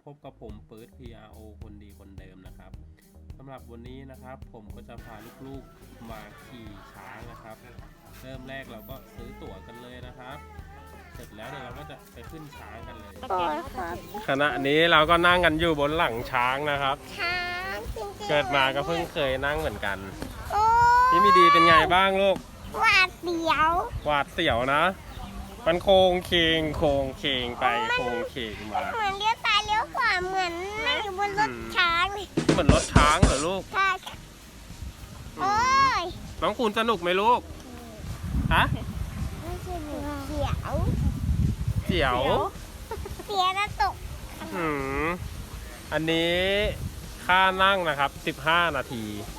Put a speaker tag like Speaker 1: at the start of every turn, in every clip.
Speaker 1: พบกับผมปื๊ด PRO คนดีคนเดิมนะครับสำหรับวันนี้นะครับผมก็จะพาลูกๆมาขี่ช้างนะครับเริ่มแรกเราก็ซื้อตั๋วกันเลยนะครับเสร็จแล้วเดี๋ยวเราก็จะไปขึ้นช้างกันเลยขณะนี้เราก็นั่งกันอยู่บนหลังช้างนะครับ
Speaker 2: ช้างจริงๆ
Speaker 1: เกิดมาก็เพิ่งเคยนั่งเหมือนกัน
Speaker 2: โอ้
Speaker 1: พี่มีดีเป็นไงบ้างลูก
Speaker 2: หวาดเสียว
Speaker 1: หวาดเสียวนะมันโค้งเคงโค้งเคงไปโค้งเคงมา
Speaker 2: เหมือนเลี้ยวซ้ายเลี้ยวขวาเหมือนนั่งอยู่บนรถช้างเลย
Speaker 1: เหมือนรถช้างเหรอลูก
Speaker 2: ใช่โอ้ย
Speaker 1: น้องคุณสนุกไหมลูกฮะ
Speaker 2: ไม่ใช่เสียว
Speaker 1: เสียว
Speaker 2: แล้วตก
Speaker 1: อันนี้ค่านั่งนะครับ15 นาที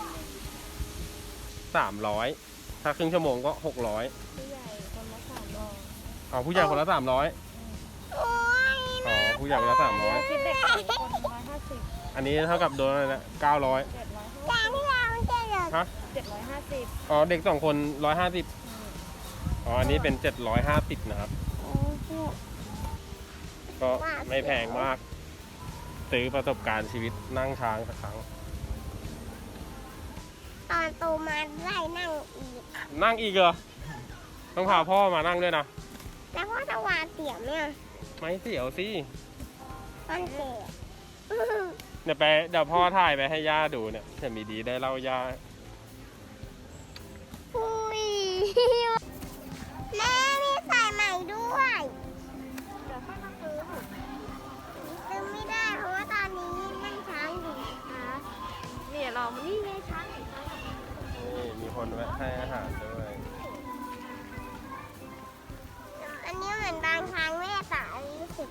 Speaker 1: 300ถ้าครึ่งชั่วโมงก็600
Speaker 3: ผู้ใหญ่คนละ300
Speaker 1: อ๋อผู้ใหญ่คนละ300อ๋อผู้ใหญ่คนละ300
Speaker 3: คิดเด็กคน150
Speaker 1: อันนี้เท่ากับโดนอะไรนะ900
Speaker 2: จานที่เราจะเหลือ
Speaker 1: ฮะ
Speaker 3: 750
Speaker 1: อ๋อเด็ก2 คน150อ๋ออันนี้เป็น750นะครับก็ไม่แพงมากซื้อประสบการณ์ชีวิตนั่งช้างสักครั้ง
Speaker 2: ตอนโตมาได้นั่งอีก
Speaker 1: เหรอต้องพาพ่อมานั่งด้วยนะ
Speaker 2: แล้วพ่อจะวาเสียวเนี่ย
Speaker 1: ไม่เสียวสิ
Speaker 2: มันเสียว
Speaker 1: เดี๋ยวพ่อถ่ายไปให้ย่าดูเนี่ยจะมีดีได้เล่าย่า
Speaker 2: แม่มีสายใหม่ด้วย
Speaker 3: เดี๋ยวค่อยมาซื้อ
Speaker 2: ซื้อไม่ได้เพราะว่าตอนนี้นั่งช้างอยู่นะคะ
Speaker 3: เนี่ยเรานี่ไงช้างนี่
Speaker 1: มีคนแวะให้อาหารด้วย
Speaker 2: อันนี้เหมือนบางช้างแม่สารู้สึก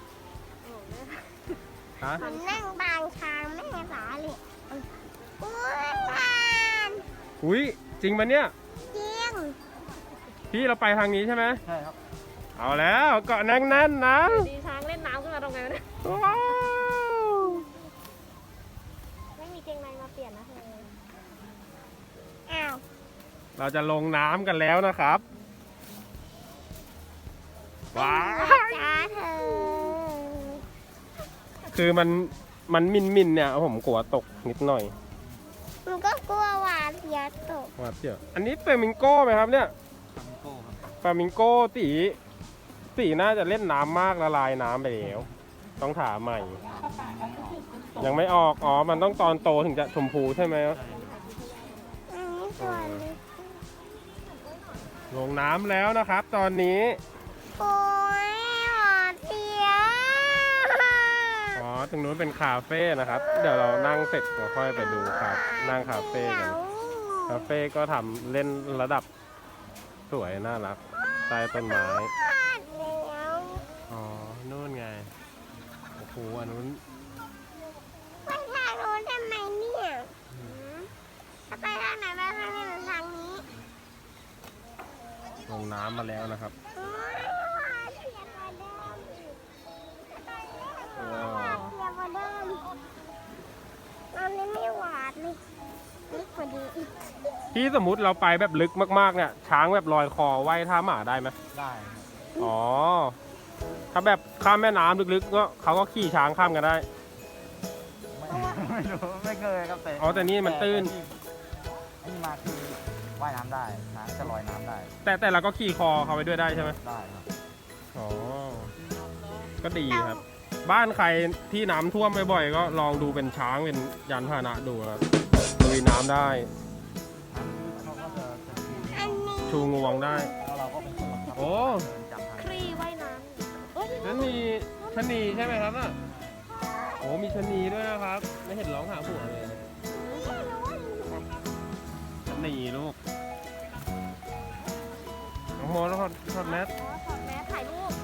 Speaker 1: ฮะ
Speaker 2: มันนั่งบางช้างแม่สาเลย
Speaker 1: อุ้ยจริงปะเนี่ย
Speaker 2: จริง
Speaker 1: พี่เราไปทางนี้ใช่ไหม
Speaker 4: ใช่ครับ
Speaker 1: เอาแล้วเกาะแน่นๆนะ
Speaker 3: ดีช้างเล่นน้ำขึ้นมาตรงไหนเนี่ยไม่มีเกงในมาเปลี่ยนนะเธอ
Speaker 2: อ้าว
Speaker 1: เราจะลงน้ำกันแล้วนะครับว้าว
Speaker 2: จ้าเธอ
Speaker 1: คือมันมินเนี่ยผมกลัวตกนิดหน่อย
Speaker 2: มันก็กลัวหวาดเสียวตก
Speaker 1: หวาดเสียวอันนี้เฟลามิงโก้ไหมครับเนี่ยเฟลามิงโก้ตีน่าจะเล่นน้ำมากละลายน้ำไปแล้วต้องถามใหม่ยังไม่ออกอ๋อมันต้องตอนโตถึงจะชมพูใช่ไหมลงน้ำแล้วนะครับตอนนี้
Speaker 2: โอ้ยหวาดเสียว
Speaker 1: อ๋อตรงนู้นเป็นคาเฟ่นะครับเดี๋ยวเรานั่งเสร็จเราค่อยไปดูครับนั่งคาเฟ่กันคาเฟ่ก็ทำเล่นระดับสวยน่ารักใต้ต้นไม้อ๋อนู่นไงโอ้โหอันนู้น
Speaker 2: ไปทางโน้นทำไมเนี่ยจะไปทางไหนไปทางนี้หรือทางนี้
Speaker 1: ลงน้ำมาแล้วนะครับ
Speaker 2: ตอนนี้ไม่หวาดเลยลึกกว่านี้อีก
Speaker 1: ที่สมมุติเราไปแบบลึกมากๆเนี่ยช้างแบบลอยคอว่ายท่าหมาได้ไหม
Speaker 4: ได้
Speaker 1: อ๋อถ้าแบบข้ามแม่น้ำลึกๆก็เขาก็ขี่ช้างข้ามกันได้
Speaker 4: ไม่รู้ไม่เคยครับ
Speaker 1: แต่นี่มันตื้น
Speaker 4: นี่มาคือว่ายน้ำได้ช้างจะลอยน้ำได้
Speaker 1: แต่เราก็ขี่คอเขาไปด้วยได้ใช่ไหม
Speaker 4: ได้ครับ
Speaker 1: อ๋อก็ดีครับบ้านใครที่น้ำท่วมบ่อยๆก็ลองดูเป็นช้างเป็นยานพาหนะดูครับลุยน้ำได้ชูงวงได้โอ้
Speaker 3: ครีว่ายน้ำ
Speaker 1: ชะนีใช่ไหมครับน่ะโอ้มีชะนีด้วยนะครับไม่เห็นร้องหาผัวเลยชะนีลูกน้องโมแล้วถอดแมส
Speaker 3: ถ่ายรูป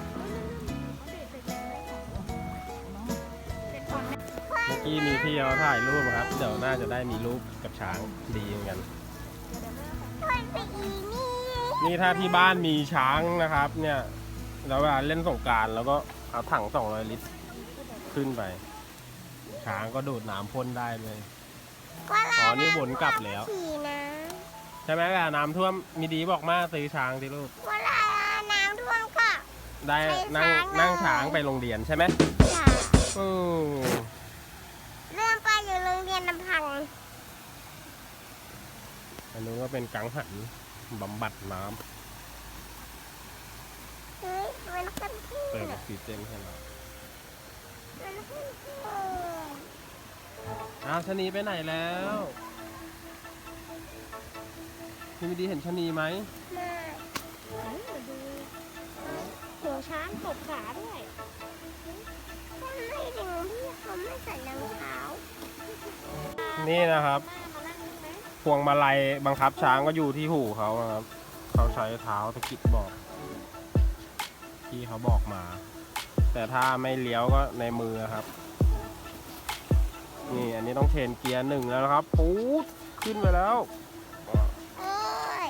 Speaker 1: เมื่อกี้มีพี่เขาถ่ายรูปครับเดี๋ยวน่าจะได้มีรูปกับช้างดีเหมือนกันนี่ถ้าที่บ้านมีช้างนะครับเนี่ยเราเวลาเล่นสงกรานต์แล้วก็เอาถัง200 ลิตรขึ้นไปช้างก็ดูดน้ำพ่นได้เลยอ๋อนี่วนกลับแล้วใช่ไหมเวลาน้ำท่วมมีดีบอกมาซื้อช้างดิลูก
Speaker 2: เวลาน้ำท่วมก็
Speaker 1: ได้นั่งช้างไปโรงเรียนใช่ไหมก็เป็นกังหันบำบัดน้
Speaker 2: เฮ้ยมันขึ้นที่
Speaker 1: ำเติมออกซิเจนให้เรา
Speaker 2: มันขึ้นที่
Speaker 1: อ้าวชะนีไปไหนแล้วพี่มิดีเห็นชะนีไหม
Speaker 2: มา
Speaker 3: มาดูหัวช้างตบขาด้วย
Speaker 2: ทำไมถึงพี่เขาไม่ใส่รองเท้า
Speaker 1: นี่นะครับ
Speaker 3: แม่มานั่งนี่ไหม
Speaker 1: พวงมาลัยบังคับช้างก็อยู่ที่หูเขานะครับเขาใช้เท้าตะกิดบอกที่เขาบอกมา แต่ถ้าไม่เลี้ยวก็ในมือครับ นี่อันนี้ต้องเชนเกียร์หนึ่งแล้วนะครับปู๊ดขึ้นไปแล้ว
Speaker 2: โอ้ย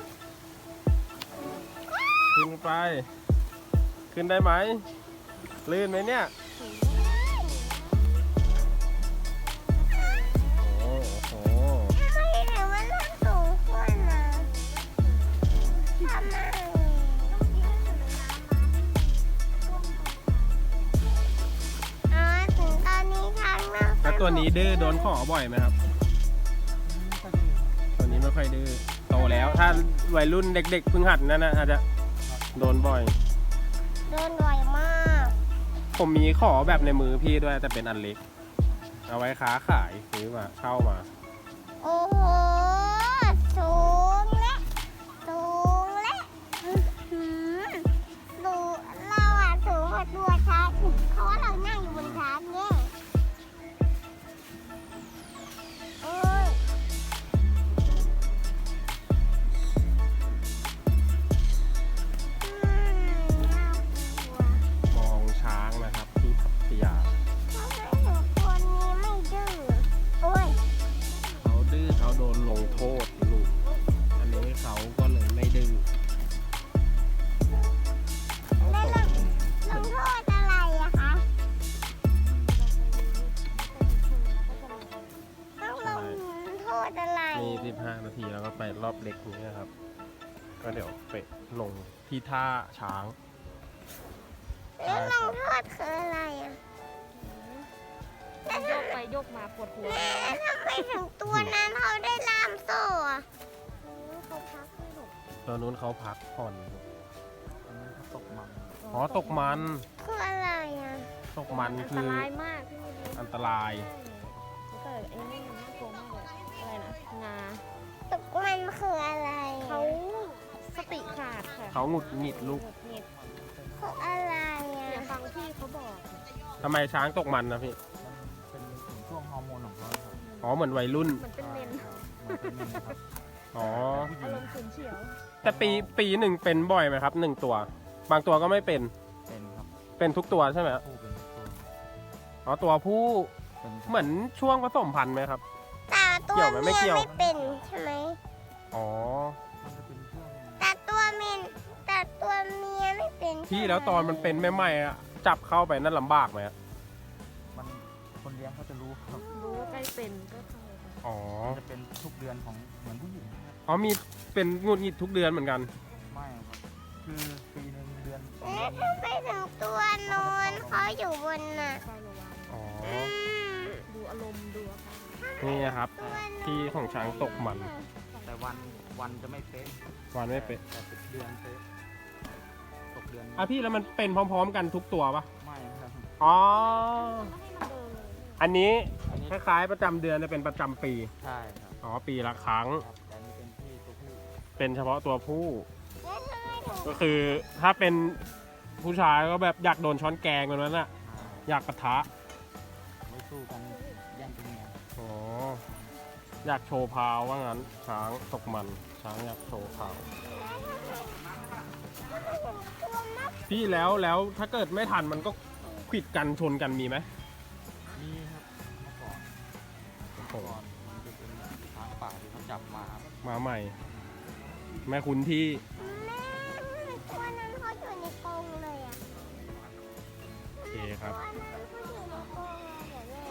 Speaker 1: ขึ้นไป ขึ้นได้ไหมลื่นไหมเนี่ยโอ้โห
Speaker 2: ทำไมถึงมันนั่งสูงขึ้นนะทำไมอ๋อถึงตอนนี้ทางนั่ง
Speaker 1: แล้วตัวนี้ดื้อโดนขอบ่อยไหมครับ ตัวนี้ไม่ค่อยดื้อโตแล้วถ้าวัยรุ่นเด็กๆเพิ่งหัดนั่นนะอาจจะโดนบ่อย
Speaker 2: โดนบ่อยมาก
Speaker 1: ผมมีขอแบบในมือพี่ด้วยแต่เป็นอันเล็ก เอาไว้ค้าขายซื้อมาเช่ามา
Speaker 2: โอ้โห สูงและสูงและอื้อหือดูเราอะสูงกว่าตัวช้างอีกเพราะว่าเรานั่งอยู่บนช้างเนี่ยโอ้ยน่ากลัว
Speaker 1: มองช้างนะครับที่พัทยา
Speaker 2: ทำไมหนูตัวนี้ไม่ดื้อโอ้ย
Speaker 1: เขาดื้อเขาโดนลงโทษลูก อันนี้เขาก็เลยไม่ดื้อ
Speaker 2: แล้วลงโทษอะไรอะคะต้องลงโทษอะไร
Speaker 1: นี่15 นาทีแล้วก็ไปรอบเล็กนี้นะครับ ก็เดี๋ยวไปลงที่ท่าช้าง
Speaker 2: แล้วลงโทษคืออะไรอะ
Speaker 3: โยกไปโยกมาปวดหัว
Speaker 2: แม่ทำไมถึงตัวนั้นเขาได้ล่ามโซ่อะ
Speaker 3: เขาพักให้หนู
Speaker 1: ตัวนู้นเขาพักผ่อน
Speaker 4: อันนี้เขาตกมัน
Speaker 1: อ๋อตกมัน
Speaker 2: คืออะไรอะ
Speaker 1: ตกมัน
Speaker 3: อัน
Speaker 1: คื
Speaker 3: ต
Speaker 1: อ
Speaker 3: รายมากพี่มิดี
Speaker 1: อันตราย
Speaker 3: แล้วก็ไอ้นี่มันน่ากลัวมากเลยอะไรนะงา
Speaker 2: ตกมันคืออะไรอะ
Speaker 3: เขาสติขาดค่ะ
Speaker 1: เขาหงุดหงิดลูก
Speaker 3: หงุดหงิด
Speaker 2: คืออะไร
Speaker 3: อย่า
Speaker 2: อะ
Speaker 3: ฟังพี่เขาบอก
Speaker 1: ทำไมช้างตกมันนะพี่
Speaker 4: เป็นถึงช่วงฮอร์โมนของเขาครับ
Speaker 1: อ๋อเหมือนวัยรุ่น
Speaker 3: เหมือนเป็นเมน
Speaker 4: มันเป็นเมนนะครับ
Speaker 1: อ๋อ
Speaker 4: ผู้หญิ
Speaker 3: อาง รมณ์ฉุนเฉียว
Speaker 1: แต่ปีหนึ่งเป็นบ่อยไหมครับ1 ตัว บางตัวก็ไม่เป็น
Speaker 4: เป็นครับ
Speaker 1: เป็นทุกตัวใช่ไหมครับ
Speaker 4: ผู้เป็นตัว
Speaker 1: อ๋อตัวผู้
Speaker 4: เป็น
Speaker 1: เหมือนช่วงผสมพันธุ์ไหมครับ
Speaker 2: แต่ตัว
Speaker 1: เกี่ยวไหมไม่
Speaker 2: เมีย
Speaker 1: เกี่ยว
Speaker 2: ไม่เป็นใช่ไหม
Speaker 1: อ๋อ
Speaker 4: มันจะเป็นช่วง
Speaker 2: แต่ตัวเมียแต่ตัวเมียไม่เป็นใช่ไหม
Speaker 1: พี่แล้วตอนมันเป็นใหม่ๆอะจับเข้าไปนั่นลำบากไหมอะ
Speaker 4: มันคนเลี้ยงเขาจะรู้ครับ
Speaker 3: รู้ว่าใกล้เป็นก็เข้าไป
Speaker 1: อ๋อ
Speaker 4: มันจะเป็นทุกเดือนของเหมือนผู้หญิงครับ
Speaker 1: อ๋อมีเป็นหงุดหงิดทุกเดือนเหมือนกัน
Speaker 4: ไม่ครับ คือปีหนึ่งเดือนสอง
Speaker 2: เอ๊ะ
Speaker 4: เดือน
Speaker 2: ทำไมถึงตัวโนนเขาอยู่บนน่ะ
Speaker 3: ไประวัง
Speaker 1: อ๋อ
Speaker 2: อืม
Speaker 3: ดูอารมณ์ดูอาการ
Speaker 1: นี่นะครับ
Speaker 2: ตัวโนน
Speaker 1: ที่ของช้างตกมัน
Speaker 4: แต่วันจะไม่เป๊ะ
Speaker 1: วันไม่เป็น
Speaker 4: แต่เป็นเดือนเป๊ะตกเดือน
Speaker 1: อ่ะพี่แล้วมันเป็นพร้อมๆกันทุกตัวปะ
Speaker 4: ไม่ครับ
Speaker 1: อ๋อ
Speaker 3: ไม่ให้มันเดินเลย
Speaker 1: อันนี้
Speaker 4: อันนี้
Speaker 1: คล้ายๆประจำเดือนจะเป็นประจำปี
Speaker 4: ใช่ครับ
Speaker 1: อ๋อปีละครั้ง
Speaker 4: ครับแต่อันนี้เป็นที่ตัวผู้
Speaker 1: เป็นเฉพาะตัวผู้
Speaker 2: แล้วทำไมถึง
Speaker 1: ก็คือถ้าเป็นผู้ชายก็แบบอยากโดนช้อนแกงแบบนั้นอะ
Speaker 4: อ่า
Speaker 1: อยากปะทะ
Speaker 4: ไว้สู้กันแย่งเป็นเมีย
Speaker 1: อ๋อ อยากโชว์พาวว่างั้น ช้างตกมัน ช้างอยากโชว์พาว
Speaker 2: ตัวมัก
Speaker 1: พี่แล้วถ้าเกิดไม่ทันมันก็ขวิดกันชนกันมีไหม
Speaker 4: มีครับเมื่อก่อน
Speaker 1: โอ้โห
Speaker 4: ก่อนมันจะเป็นแบบช้างป่าที่เขาจับมาครับ
Speaker 1: มาใหม่ แม่คุณที่
Speaker 2: แม่ตัวนั้นเขาอยู่ในกรงเลยอะ
Speaker 1: โอเคครับ
Speaker 2: ตัวนั้นเขาอยู่ในกรงเลยเดี๋ยวแม่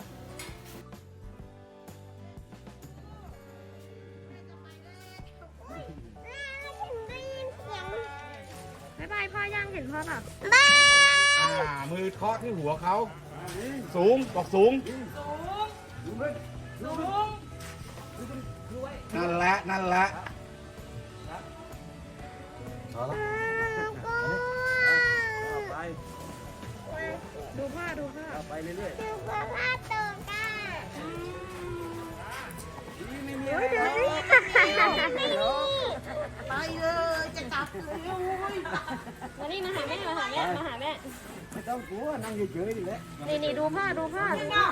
Speaker 2: อุ๊ยแม่ถึงได้ยินเสียง
Speaker 3: บ๊ายบายพ่อย่างเห็นพ่อเปล่า
Speaker 2: บ้า
Speaker 5: มือเคาะที่หัวเขา สูงบอกสูง
Speaker 3: สูง
Speaker 5: นั่นแหละนั่นแหละ
Speaker 4: เอาละ
Speaker 1: เอาไป
Speaker 3: ดูผ้าดูผ้า
Speaker 1: เอาไปเรื่อย
Speaker 2: ดูเพื่อนลาดตัวกัน
Speaker 3: เฮ้ยดูสิ
Speaker 2: ไปเลยจะกลับเลย
Speaker 3: มานี่มาหาแม่มาหาแม่มาหาแม่
Speaker 5: ไม่ต้องกลัวนั่งเฉยๆนี่แหละ
Speaker 3: นี่ดูผ้าดูผ้าดูผ้า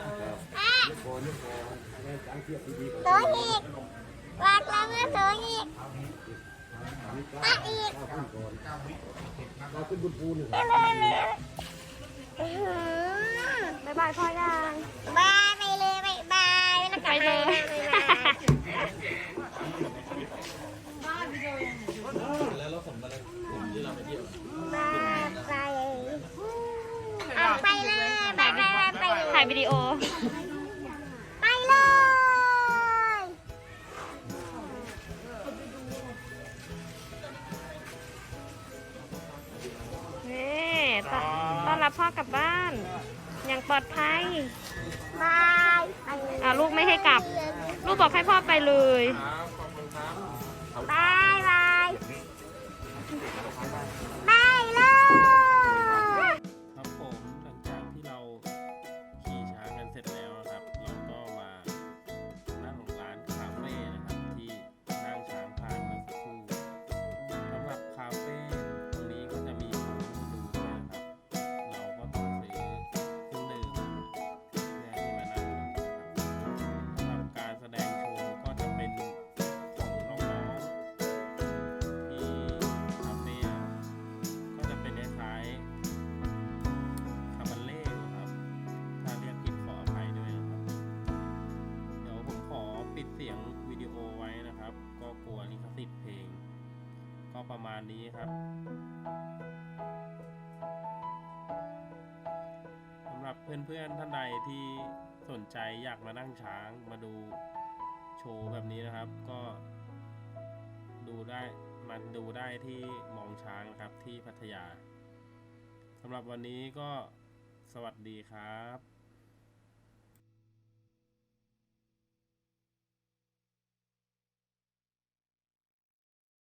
Speaker 2: โซอีกวางแล้วเมื่อโซอีกมาอีก
Speaker 5: เราขึ้นบนภูนี่
Speaker 2: ไปเลยเลยอื้อหือ
Speaker 3: บ๊ายบายพ่อยัง
Speaker 2: บายไปเลยบายบายแล้วกลับ
Speaker 3: ไปเลย
Speaker 2: บายบาย
Speaker 1: แล้วรถผมที่เราไปเที่ยว
Speaker 2: บายไปเอาไปเลยบายบายไปเลย
Speaker 3: ถ่ายวิดีโอ
Speaker 2: ไปเลย
Speaker 3: นี่ต้อนรับพ่อกลับบ้าน อย่างปลอดภัย
Speaker 2: บายไปเลย
Speaker 3: ลูกไม่ให้กลับ ลูกบอกให้พ่อไปเลย
Speaker 1: ครับขอบคุณครับ
Speaker 2: บายบายบายเลย
Speaker 1: ครับผมหลังจากที่เราขี่ช้างกันเสร็จแล้วนะครับ เราก็มานั่งร้านคาเฟ่นะครับที่นั่งช้างผ่านเมื่อสักครู่สำหรับคาเฟ่ตรงนี้ก็จะมีของดูด้วยนะครับ เราก็ต้องซื้อเครื่องดื่มเพื่อที่มานั่งดูนะครับสำหรับการแสดงโชว์ก็จะเป็นของน้องๆที่คาเฟ่ก็จะเป็นคล้ายๆ คาบัลเล่นะครับ ถ้าเรียกผิดขออภัยด้วยนะครับ เดี๋ยวผมขอปิดเสียงวิดีโอไว้นะครับ ก็กลัวลิขสิทธิ์เพลง ก็ประมาณนี้ครับสำหรับเพื่อนๆท่านใดที่สนใจอยากมานั่งช้างมาดูโชว์แบบนี้นะครับ ก็ดูได้มาดูได้ที่มองช้างนะครับที่พัทยา สำหรับวันนี้ก็สวัสดีครับ